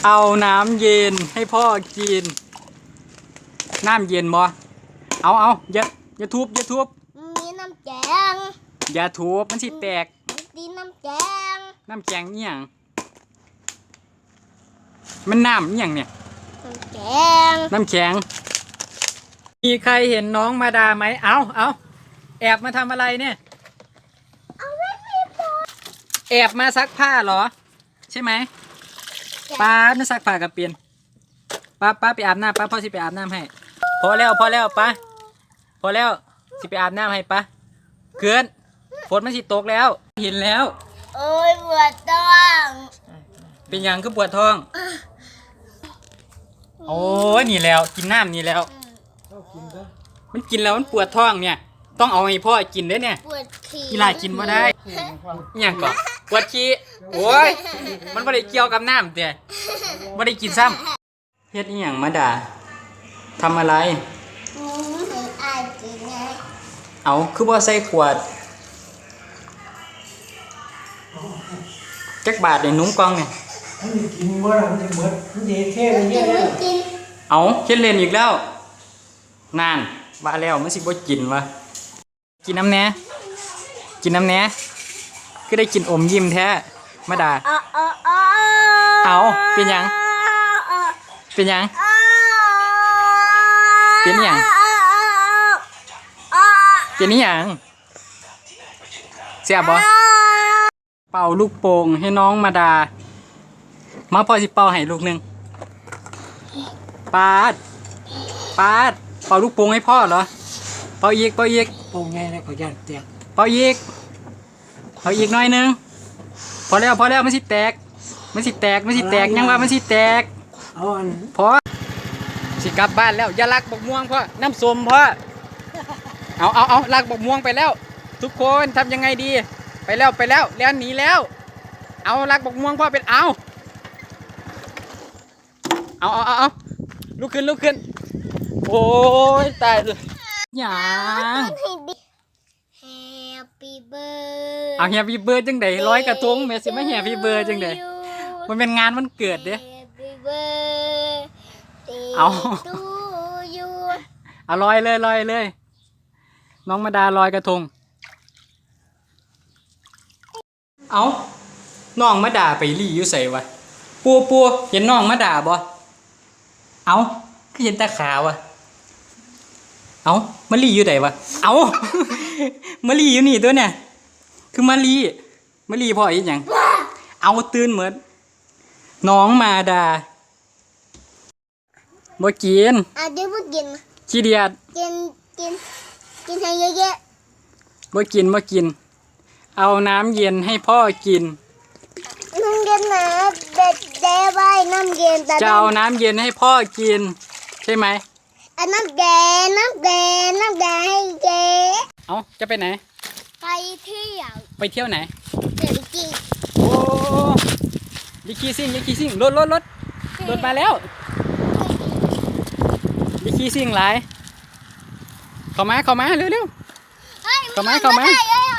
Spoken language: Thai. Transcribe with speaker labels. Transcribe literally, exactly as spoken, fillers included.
Speaker 1: เอาน้ำเย็นให้พ่อกินน้ำเย็นบ่เอาเอาอย่าอย่าทุบอย่าทุบ
Speaker 2: มีน้ำแกง
Speaker 1: อย่าทุบมันสิแตก
Speaker 2: ตีน้ำแกง
Speaker 1: น้ำแกงเอี่ยงมันน้ำเอี่ยงเนี่ย
Speaker 2: น้ำแกง
Speaker 1: น้ำแข็งมีใครเห็นน้องมาดาไหมเอาเอาแอบมาทำอะไรเนี่ยแอบมาซักผ้าเหรอใช่ไหมป้าไม่ซักผ้ากับเปลี่ยนป้าป้าไปอาบน้ำป้าพ่อสิไปอาบน้ำให้พอแล้วพอแล้วป้าพอแล้วสิไปอาบน้ำให้ป้าเกินฝนมันสิตกแล้วเห็นแล้ว
Speaker 2: โอ้ยปวดท้อง
Speaker 1: เป็นยังคือปวดท้องโอ้ยนี่แล้วกินน้ำนี่แล้วมันกินแล้วมันปวดท้องเนี่ยต้องเอาให้พ่อกินด้วยเนี่ย
Speaker 2: ปวดขี้
Speaker 1: กีฬากินมาได้อย่างก่อนปวดขี้โอ้ยมันไม่ได้เกี่ยวกับน้ำเดี๋ยไม่ได้กินซ้ำเฮ็ดอีหยังมาด่าทำอะไรเอาคือว่าใส่ขวดจักบาทในนุ่งกองเนี่ย
Speaker 3: มันกินเมื่อมันจะเหมือนมันเยเท่เลยเนี่ย
Speaker 1: เอาเฮ็ดเล่นอีกแล้วนานว่าแล้วมันสิบ่กินวะกินน้ำแหน่กินน้ำแหน่ก็ได้กินอมยิ้มแท้มาด่าเอาเป็นยังเป็นยังเป็นยังเป็นนี่ยังเสียบบ่เป่าลูกโป่งให้น้องมาด่ามาพอสิเป่าให้ลูกหนึ่งปาดปาดเป่าลูกโป่งให้พ่อเหรอเป่าอีกเป่าอีก
Speaker 3: โป่งไงนะขอยันแตก
Speaker 1: เป่าอีกเป่าอีกหน่อยนึงพอแล้วพอแล้วมันสิแตกมันสิแตกมันสิแตกยังว่ามันสิแตก
Speaker 3: เอาอัน
Speaker 1: พอสิกลับบ้านแล้วอย่าลักบกม่วงพ่อน้ำส้มพ่อเอาเอาเอาลักบกม่วงไปแล้วทุกคนทำยังไงดีไปแล้วไปแล้วแล้วหนีแล้วเอาลักบกม่วงพ่อเป็นเอาเอาเอาเอาเอาลุกขึ้นลุกขึ้นโอ้ยตายเลยอย่าง
Speaker 2: Happy birthday
Speaker 1: เอาแฮปปี้เบิร์ดจังไดร้อยกระทงแม่สิมาแฮปปี้เบิร์ดจังไดมันเป็นงานวันเกิดเด้เอาเอาลอยเลยลอยเลยน้องมาดาลอยกระทงเอาน้องมาดาไปรีอยู่ใส่วะปัวปัวเห็นน้องมาดาบ่เอาคือเห็นตาขาวะเอามารีอยู่ไหนวะเอามารีอยู่นี่ตัวเนี่ยคือมารีมารีพ่ออีกอย่างเอาตื่นเหมือนน้องมาดาบ่กิน
Speaker 2: อ่ะเดี๋ยวบ่กิน
Speaker 1: ขี้เดียด
Speaker 2: กินกินกินให้เยอะ
Speaker 1: ๆบ่กินบ่กินเอาน้ำเย็นให้พ่อกิน
Speaker 2: น้ำเย็นนะเด็ดเด้ไว้น้ำเย็นแต่
Speaker 1: จะเอาน้ำเย็นให้พ่อกินใช่ไหม
Speaker 2: อันน้ำแดงน้ำแดงน้ำแดงให้เจ๊
Speaker 1: เอาจะไปไหน
Speaker 2: ไปเที่ยว
Speaker 1: ไปเที่ยวไหน
Speaker 2: เที่ยวจริง
Speaker 1: โอ้ลิคีซิ่งลิคีซิ่งรถรถรถรถมาแล้วลิคีซิ่งหลายเข้ามาเข้ามาเร็วเร็วเข้ามาเข้ามา